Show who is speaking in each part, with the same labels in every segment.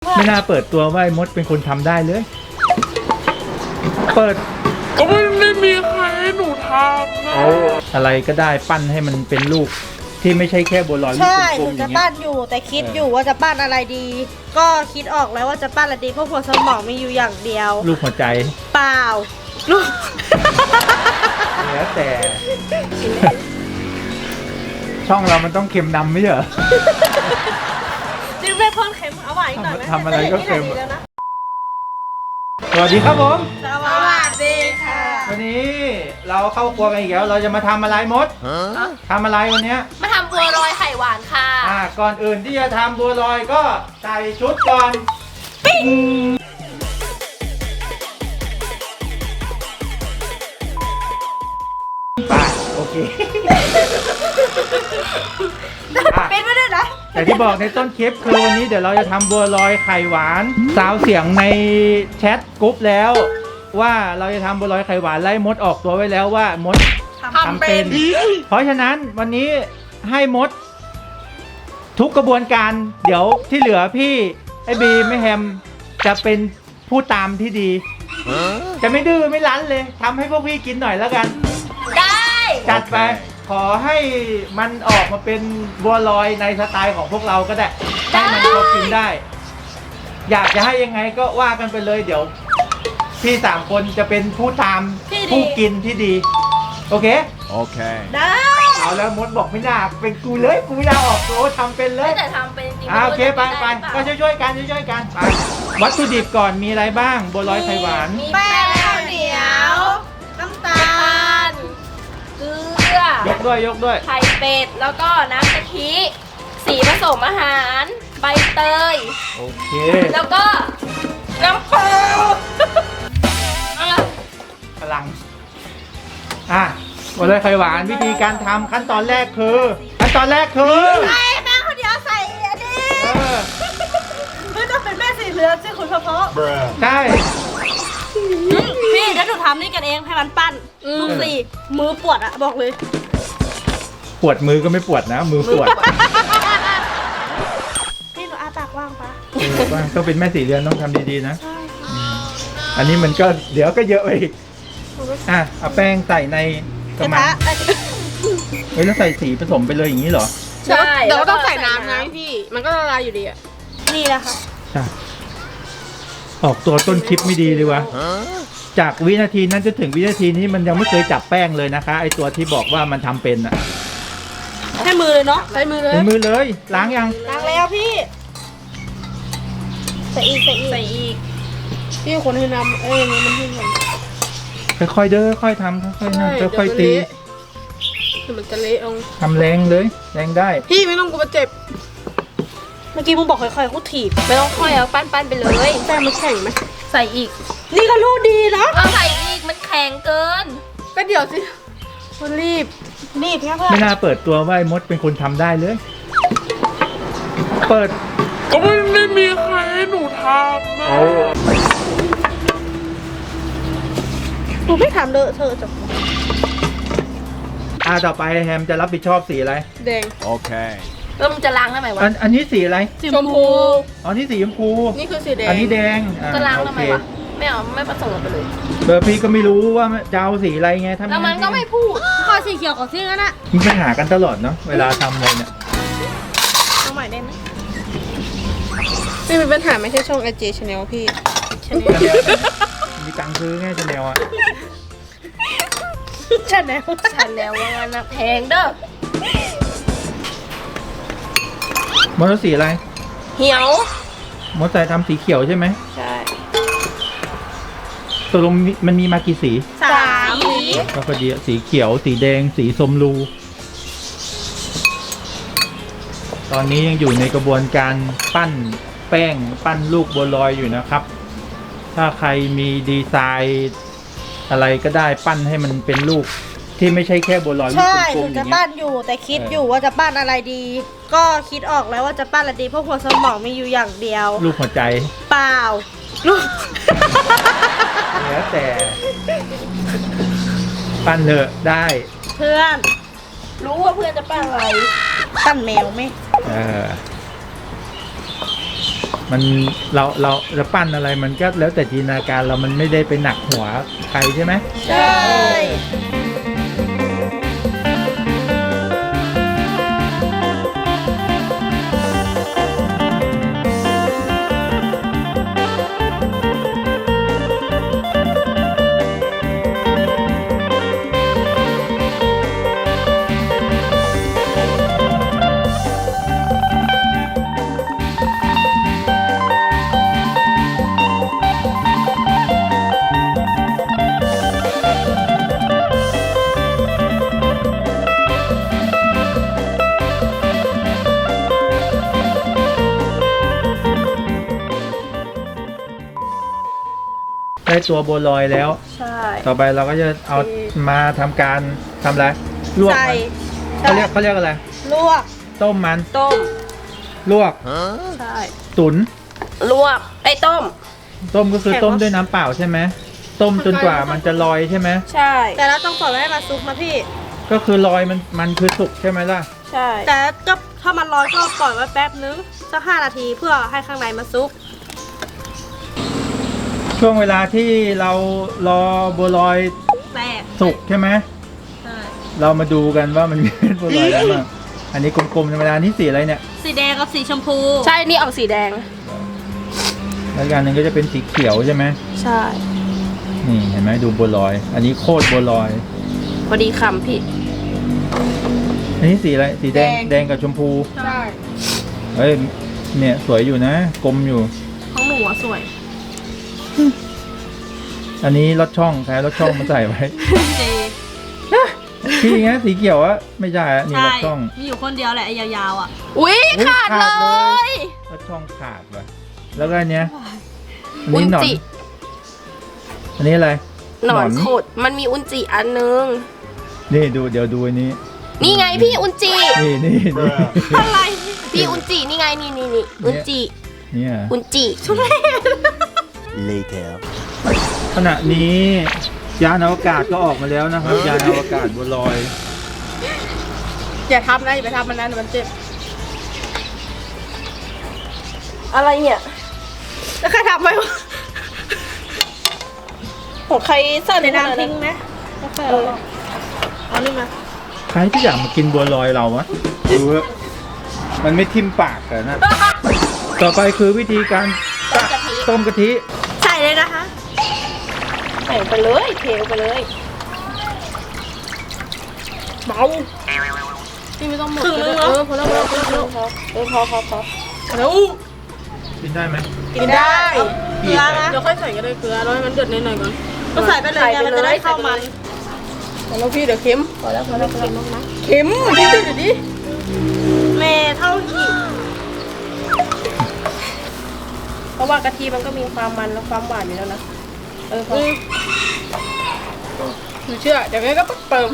Speaker 1: ไม่น่าเปิดตัวว่าไอ้มดเป็นคนทำได้เลย เปิด
Speaker 2: ก็ไม่มีใครให้หนูทำนะ
Speaker 1: อะไรก็ได้ปั้นให้มันเป็นลูกที่ไม่ใช่แค่บัวลอยลูก
Speaker 3: ใช่ห
Speaker 1: กล
Speaker 3: นู
Speaker 1: มๆอ
Speaker 3: จะ
Speaker 1: ย่างเงี้
Speaker 3: ปั้
Speaker 1: ย
Speaker 3: นอยู่แต่คิดอยู่ว่าจะปั้นอะไรดี ก็คิดออกแล้วว่าจะปั้นอะไรดีเพราะหัวสมองมีอยู่อย่างเดียว
Speaker 1: ลูกหัวใจ
Speaker 3: เปล่าลูก
Speaker 1: แล้วแต่ ช่องเรามันต้องเค็มนำไม่ใช่เหรอ
Speaker 3: จริงไม่พ่นเค็มเอาหวานอีกหน่อยไหม
Speaker 1: ทำอะไรก็เค็ม
Speaker 3: แต่นี่แหละดีแล้วนะ
Speaker 1: สวัสดีครับผม
Speaker 3: สวัสดีค่ะ
Speaker 1: วันนี้เราเข้าครัวกันอีกแล้วเราจะมาทำอะไรมดทำอะไรวันเนี้ย
Speaker 4: มาทำบัวลอยไข่หวานค่ะ
Speaker 1: ก่อนอื่นที่จะทำบัวลอยก็ใส่ชุดก่อนไปโอเคอ่ะ
Speaker 3: เป็นไม่ได้นะ
Speaker 1: แต่ที่บอกในต้นคลิปคือวันนี้เดี๋ยวเราจะทำบัวลอยไข่หวานสาวเสียงในแชทกรุ๊ปแล้ว ว่าเราจะทำบัวลอยไข่หวานไล่มดออกตัวไว้แล้วว่ามดทำเป็น เพราะฉะนั้นวันนี้ให้มด ทุกกระบวนการเดี๋ยวที่เหลือพี่ไอ้บีไม่แฮมจะเป็นผู้ตามที่ดี จะไม่ดื้อไม่รั้นเลยทำให้พวกพี่กินหน่อยแล้วกัน
Speaker 4: ได้
Speaker 1: จัดไปขอให้มันออกมาเป็นบัวลอยในสไตล์ของพวกเราก็ได้ให้มันพอกินได้ อยากจะให้ยังไงก็ว่ากันไปเลยเดี๋ยว พี่3 คนจะเป็นผู้ตามผู้กินที่ดี โอเค
Speaker 5: Okay.
Speaker 3: ได้
Speaker 1: เอาแล้วมดบอกไม่น่าเป็นกูเลยกูไม่น่าออกตัวทำเป็นเลย
Speaker 4: แต่ทำเป็นจริง
Speaker 1: โอเคไปไปก็ช่วยๆกันช่วยๆกันไปวัตถุดิบก่อนมีอะไรบ้างบัวลอยไข่หวาน
Speaker 4: มี
Speaker 3: แป้
Speaker 4: แป้
Speaker 3: ง
Speaker 4: ง
Speaker 3: ข้าวเหนียว น้ำตา
Speaker 4: ตา
Speaker 3: ล
Speaker 4: ลเกลือย
Speaker 1: กด้วย
Speaker 4: ไข่เป็ด แล้วก็น้ำกะทิ สีผสมอาหาร ใบเตย
Speaker 1: โอเค
Speaker 4: แล้วก็น้ำเปล่า
Speaker 1: พลังบัวลอยไข่หวานวิธีการทำขั้นตอนแรกคือ
Speaker 3: ใส่แป้งข้าวเหนียวใส่อันนี้
Speaker 1: เออ
Speaker 3: เพื่อจะเป็นแม่สีเหลืองสิคุณพ่อ
Speaker 1: ใช่
Speaker 3: พี่เดี๋ยวหนูทำนี่กันเองให้มันปั้นลูกสี่มือปวดอะบอกเลย
Speaker 1: ปวดมือก็ไม่ปวดนะ มือปวด
Speaker 3: พี่หนูอาปากว่างปะ
Speaker 1: ว่าต้องเป็นแม่สีเรือนต้องทำดีๆนะอันนี้มันก็เดี๋ยวก็เยอะไปอีกเอาแป้งใส่ในก
Speaker 3: ก
Speaker 1: ระ
Speaker 3: ระ
Speaker 1: มัง
Speaker 3: ทะ
Speaker 1: เฮ้ยแล้วใส่สีผสมไปเลยอย่างนี้เหรอ
Speaker 4: ใช่
Speaker 2: เดี๋ยวก็ต้องใส่น้ำไงพี่ มันก็ละลายอยู่ดีอะ
Speaker 3: นี่แหละค่ะ
Speaker 1: ใช่ออกตัวต้นคลิปไม่ดีเลยวะจากวินาทีนั้นจนถึงวินาทีนี้มันยังไม่เคยจับแป้งเลยนะคะไอตัวที่บอกว่ามันทำเป็นอะ
Speaker 3: ให้มือเลยเนาะ
Speaker 2: ใช้มือเลย
Speaker 1: ในมือเลยล้างยัง
Speaker 3: ล้างแล้วพี่ใส่อีก
Speaker 4: ใส่อีก
Speaker 2: พี่คนให้น้ำนี่มันขึ้นก่อน
Speaker 1: ค่อยๆเด้อค่อยๆทำค่อยๆนั่นค่อยๆตี
Speaker 2: เดี๋ยวมันจะเละลง
Speaker 1: ทำแรงเลยแรงได้
Speaker 2: พี่ไม่ต้องกลัวเจ็บ
Speaker 3: เมื่อกี้มึงบอกค่อยๆกูถีบ
Speaker 4: ไม่ต้องค่อยเอาปั้นๆไปเลย
Speaker 2: แป้งมันแข็งไหม
Speaker 4: ใส่อีก
Speaker 3: นี่ก็รู้ดีเนาะ
Speaker 4: เอาใส่อีก มันแข็งเกิน
Speaker 2: ก็เดี๋ยวสิมันรีบ
Speaker 3: นี่เพื่อนเพื่อน
Speaker 1: ไม่น่าเปิดตัวว่าไอ้มดเป็นคนทำได้เลย เปิด
Speaker 2: ก็ไม่มีใครให้หนูทำนะ
Speaker 3: หนูไม่ทำเลอะเธอะจบ
Speaker 1: ต่อไปแฮมจะรับผิดชอบสีอะไร
Speaker 2: แดง
Speaker 5: Okay.
Speaker 4: แล้วมึงจะล้างได้ไหมวะ
Speaker 1: อันนี้สีอะไร
Speaker 2: ชมพู
Speaker 1: อ๋อนี่สีชมพู
Speaker 2: นี่คือสีแดง
Speaker 1: อันนี้แดง
Speaker 4: จะล้าง
Speaker 1: โอ
Speaker 4: ทำไม
Speaker 1: เคว
Speaker 4: ะ ไม่เอาไม่ผสมกันไปเลย
Speaker 1: เบอร์พี่ก็ไม่รู้ว่าจะเอาสีอะไรไงทำ
Speaker 4: แล้วมันก็ไม่พูด
Speaker 3: ข้อสีเขียวของที่นั่นอะ
Speaker 1: มีปัญหากันตลอดเนาะเวลาทำอะไรเนี่ย
Speaker 3: เอาใหม่ได้ไหม
Speaker 2: ไม่มีปัญหาไม่ใช่ช่อง AJ Channel พี่
Speaker 1: มีตังค์ซื้อไงจะแนวอ่ะ
Speaker 3: ใช่ไหม
Speaker 4: ฉันแล้วว่างั้นนะแพงเด้อ
Speaker 1: มดเอาสีอะไร
Speaker 4: เหี่ยว
Speaker 1: มดใส่ทำสีเขียวใช่ไหม
Speaker 4: ใช่
Speaker 1: ตกลงมันมีมากี่สี
Speaker 3: สาม
Speaker 1: ก็พอดีอะสีเขียว สีแดง สีส้มรู ตอนนี้ยังอยู่ในกระบวนการปั้นแป้งปั้นลูกบัวลอยอยู่นะครับ ถ้าใครมีดีไซน์อะไรก็ได้ปั้นให้มันเป็นลูกที่ไม่ใช่แค่บัวลอยลูก
Speaker 3: ใช่
Speaker 1: ก
Speaker 3: ห
Speaker 1: ล
Speaker 3: นู
Speaker 1: มๆอ
Speaker 3: จะ
Speaker 1: ย่างเงี้
Speaker 3: ปั้
Speaker 1: ย
Speaker 3: นอยู่แต่คิดอยู่ว่าจะปั้นอะไรดี ก็คิดออกแล้วว่าจะปั้นอะไรดีเพราะหัวสมองมีอยู่อย่างเดียว
Speaker 1: ลูกหัวใจ
Speaker 3: เปล่าลูก
Speaker 1: แล้วแต่ ปั้นเถอะได้
Speaker 3: เพื่อน
Speaker 4: รู้ว่าเพื่อนจะปั้นอะไร
Speaker 3: ปั้นแมวไหม
Speaker 1: เออมันเราจะปั้นอะไรมันก็แล้วแต่จินตนาการเรามันไม่ได้ไปหนักหัวใครใช่ไหม
Speaker 3: ใช่
Speaker 1: ได้ตัวบัวลอยแล้ว
Speaker 4: ใช่
Speaker 1: ต่อไปเราก็จะเอามาทำการทำอะไรลวก
Speaker 3: ใส่
Speaker 1: มันเขาเรียกอะไร
Speaker 3: ลวก
Speaker 1: ต้มมัน
Speaker 4: ต้ม
Speaker 1: ลวก
Speaker 4: ใช่
Speaker 1: ตุ๋น
Speaker 4: ลวกไอ้ต้ม
Speaker 1: ต้มก็คือต้มด้วยน้ำเปล่าใช่ไหมต้มจนกว่ามันจะลอยใช่ไหม
Speaker 4: ใช่
Speaker 3: แต่เราต้องปล่อยไว้ให้มันซุกนะพี่
Speaker 1: ก็คือลอยมันคือสุกใช่ไหมล่ะ
Speaker 4: ใช่
Speaker 3: แต่ก็ถ้ามันร้อนก็ปล่อยไว้แป๊บนึงสัก5 นาทีเพื่อให้ข้างในมันซุก
Speaker 1: ช่วงเวลาที่เรารอบัวลอย
Speaker 3: แตก
Speaker 1: สุกใช่ไหม
Speaker 3: ใช่
Speaker 1: เรามาดูกันว่ามันมีบัวลอยอะไรบ้างอันนี้กลมๆธรรมดานี่สีอะไรเนี่ย
Speaker 3: สีแดงกับสีชมพู
Speaker 4: ใช่นี่ออกสีแดง
Speaker 1: แล้วอีกอันหนึงก็จะเป็นสีเขียวใช่ไหม
Speaker 4: ใช่
Speaker 1: นี่เห็นไหมดูบัวลอย อันนี้โคตรบัวลอย
Speaker 4: พอดีคำพี่
Speaker 1: อันนี้สีอะไรสีแดงแดงกับชมพู
Speaker 3: ใช่
Speaker 1: เฮ้ยเนี่ยสวยอยู่นะกลมอยู่
Speaker 3: ของหนูอะสวย
Speaker 1: อันนี้รถช่องใช้รถช่องมาใส่ไว้
Speaker 3: เจ
Speaker 1: พี่ไงสีเขียวอะไม่ใช่อะนี่รถช่อง
Speaker 3: มีอยู่คนเดียวแหละไอ้ยาวๆอ่ะ
Speaker 4: อุ๊ย
Speaker 1: อุ๊ย
Speaker 4: ขาด
Speaker 1: ขาด
Speaker 4: เล
Speaker 1: เลย
Speaker 4: ย
Speaker 1: รถช่องขาดว่ะแล้วก็อันเนี้ยอัน
Speaker 4: อุ
Speaker 1: นี้
Speaker 4: น
Speaker 1: หนอน
Speaker 4: จิ
Speaker 1: อันนี้อะไร
Speaker 4: หนอนขดมันมีอุนจิอันนึง
Speaker 1: นี่ดูเดี๋ยวดูอันนี้
Speaker 4: นี่ไงพี่อุนจิ
Speaker 1: นี่
Speaker 3: อะไร
Speaker 4: พี่อุนจินี่ไงนี่อุนจิ
Speaker 1: เนี่ย
Speaker 4: อุนจิ
Speaker 5: Later.
Speaker 1: ขณะนี้ยานอวกาศก็ออกมาแล้วนะครับ ยานอวกาศบัวลอย
Speaker 2: อย่าทำนะอย่าไปทำมันนะเดี๋ยวมันเจ็บ
Speaker 4: อะไรเนี่ย
Speaker 3: แล้วใครทำไว้วะ
Speaker 4: ของใครสั่น
Speaker 3: ใน
Speaker 4: ใน
Speaker 3: น้ำ
Speaker 4: น้ำ
Speaker 3: ทิ้
Speaker 4: ทิ้
Speaker 3: ง
Speaker 4: ง
Speaker 3: ไหมแล้วใครเอาออกเอานี่มา
Speaker 1: ใครที่อยากมากินบัวลอยเราวะดูเถอะมันไม่ทิ่มปากเลยนะ ต่อไปคือวิธีการต้มกะทิ
Speaker 3: ใส่เลยนะคะ
Speaker 4: ใส่ไปเลยเทลไปเลย
Speaker 2: เบาพี่ไม่ต้องหมด
Speaker 3: ครึ่งนึงเหรอ
Speaker 2: พอแล้วพอแล้วพอแล้ว
Speaker 4: พอ
Speaker 2: แล้ว
Speaker 1: กินได้ไหม
Speaker 2: กินได้
Speaker 3: เกลือนะ
Speaker 2: เดี๋ยวค่อยใส่ก็ได้เกลือแล้วให้มันเดือดนิดหน่อยก่อน
Speaker 3: ก็ใส่ไปเลยไงมันจะได้เข้ามัน
Speaker 2: แล้วพี่เดี๋ยวเค็ม
Speaker 4: พอแล้ว
Speaker 2: เค็มพี่เดี๋ยวดิ
Speaker 3: เมเท่าหีบ
Speaker 4: เพราะว่ากะทิมันก็มีความมันและความหวานอยู่แล้วนะพอ
Speaker 2: หนูเชื่อเดี๋ยวแม่ก็เติม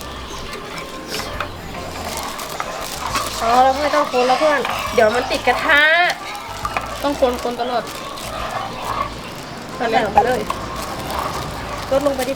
Speaker 4: อ๋อแล้วไม่ต้องคนแล้วเพื่อนเดี๋ยวมันติดกระทะ
Speaker 2: ต้องคนตลอด
Speaker 4: ใส่ลงไปเลยลดลงไปดิ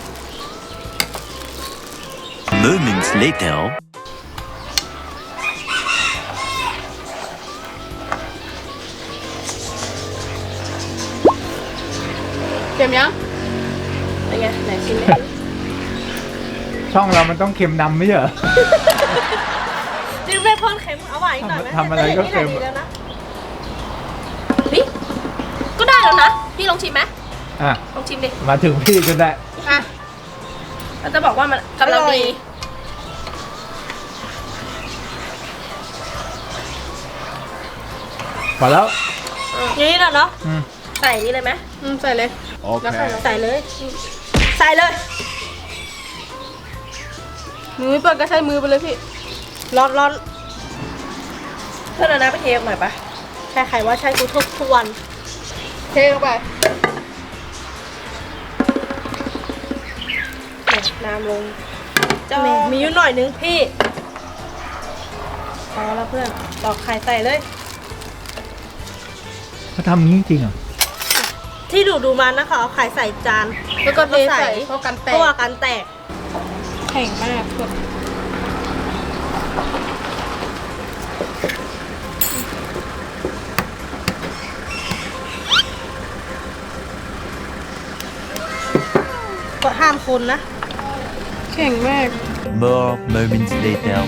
Speaker 5: Moments later.
Speaker 2: เค็มยัง
Speaker 4: เป็นไงไหนชิมไหม
Speaker 1: ช่องเรามันต้องเค็มนำไม่ใช่เหรอ
Speaker 3: จิ้มไม่พ่นเค็มเอาหวานอีกหน่อยไหม
Speaker 1: ทำอะไรก็เค็ม
Speaker 3: แต่อย่างนี้แหละดีแล้วนะ
Speaker 4: นี่ก็ได้แล้วนะพี่ลองชิมไหม
Speaker 1: อ่ะ
Speaker 4: ลองชิมดิ
Speaker 1: มาถึงพี่จนได้
Speaker 4: อ่ะเราจะบอกว่ามันกำลังดี
Speaker 1: พอแล้ว
Speaker 3: อย่างนี้แหละเนาะ
Speaker 1: อืม
Speaker 4: ใส่นี่เลยไหม
Speaker 2: ใส่เลย
Speaker 1: โอเค
Speaker 3: ใส่เลย ใส่เลย
Speaker 2: มือไม่เปิดก็ใช้มือไปเลยพี่
Speaker 3: ร้อนร้อน
Speaker 4: เพื่อนเอาน้ำไปเทหน่อยปะ
Speaker 3: ใช่ใครว่าใช่กูทุกวัน
Speaker 2: เทลงไป
Speaker 4: น้ำลง
Speaker 3: มีอยู่หน่อยนึงพี่พอแล้วเพื่อนตอกไข่ใส่เลย
Speaker 1: เขาทำอย่างนี้จริงเหรอ
Speaker 3: ที่ดูมานะคะเอาไข่ใส่จาน
Speaker 2: แล้วก็เทใส่เพราะกันแต
Speaker 3: เพราะ
Speaker 2: ก
Speaker 3: ว่าการแตก
Speaker 2: แข็งมากกด
Speaker 3: ห้ามคนนะ
Speaker 2: แข็งมาก
Speaker 5: More moments later.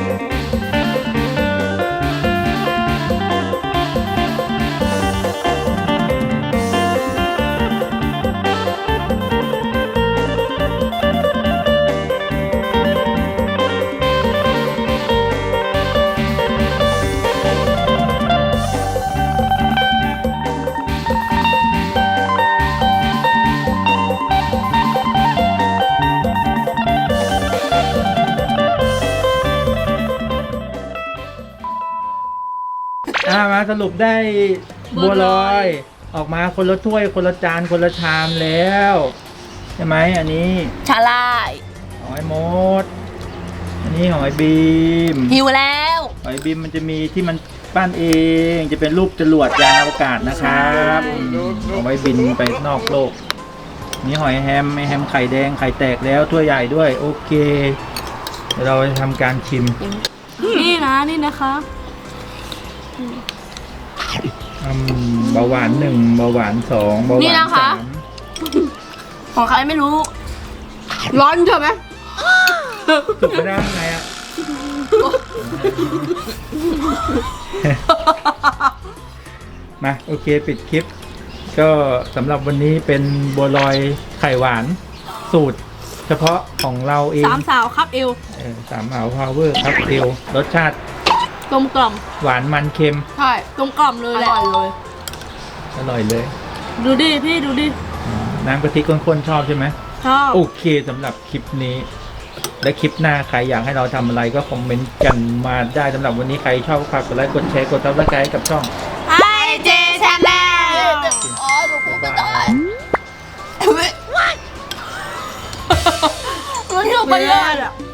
Speaker 1: มาสรุปได้บัวลอยออกมาคนละถ้วยคนละจานคนละชามแล้วใช่ไหมอันนี้
Speaker 4: ชาลาย
Speaker 1: หอยมด อันนี้หอยบีม
Speaker 4: หิวแล้ว
Speaker 1: หอยบีมมันจะมีที่มันปั้นเองจะเป็นรูปจรวดยานอวกาศนะครับเอาไว้บินไปนอกโลกนี่หอยแฮมไอแฮมไข่แดงไข่แตกแล้วถ้วยใหญ่ด้วยโอเคเดี๋ยวเราจะทำการชิม
Speaker 2: นี่นะคะ
Speaker 1: เบาหวาน1เบาหวาน2เบาห
Speaker 2: นี่
Speaker 1: วาน
Speaker 2: นะคะ
Speaker 4: ของใครไม่รู้
Speaker 2: ร้อนใช่ไหม
Speaker 1: 3สุกไม่ได้ไงอ่ะ มาโอเคปิดคลิป ก็สำหรับวันนี้เป็นบัวลอยไข่หวานสูตร เฉพาะของเราเอง
Speaker 2: 3 สาวครับเอว
Speaker 1: สามอ่าวพาวเวอร์ครับเอลรสชาติ
Speaker 2: กลมกล่อม
Speaker 1: หวานมันเค็ม
Speaker 2: ใช่กลมกล่อมเลยแหละ
Speaker 1: อร่อยเลย
Speaker 2: ดูดิพี่ดูดิ
Speaker 1: น้ำกะทิข้นๆชอบใช่ไหม
Speaker 2: ชอบ
Speaker 1: โอเคสำหรับคลิปนี้ และคลิปหน้าใครอยากให้เราทำอะไรก็คอมเมนต์กันมาได้สำหรับวันนี้ใครชอบก็ฝากกดไลค์กดแชร์กดซับสไครต์กับช่อง
Speaker 2: ไอเจชาแนล
Speaker 4: อ๋อหนูพูดไม่ได้มันอยู่บนเรือ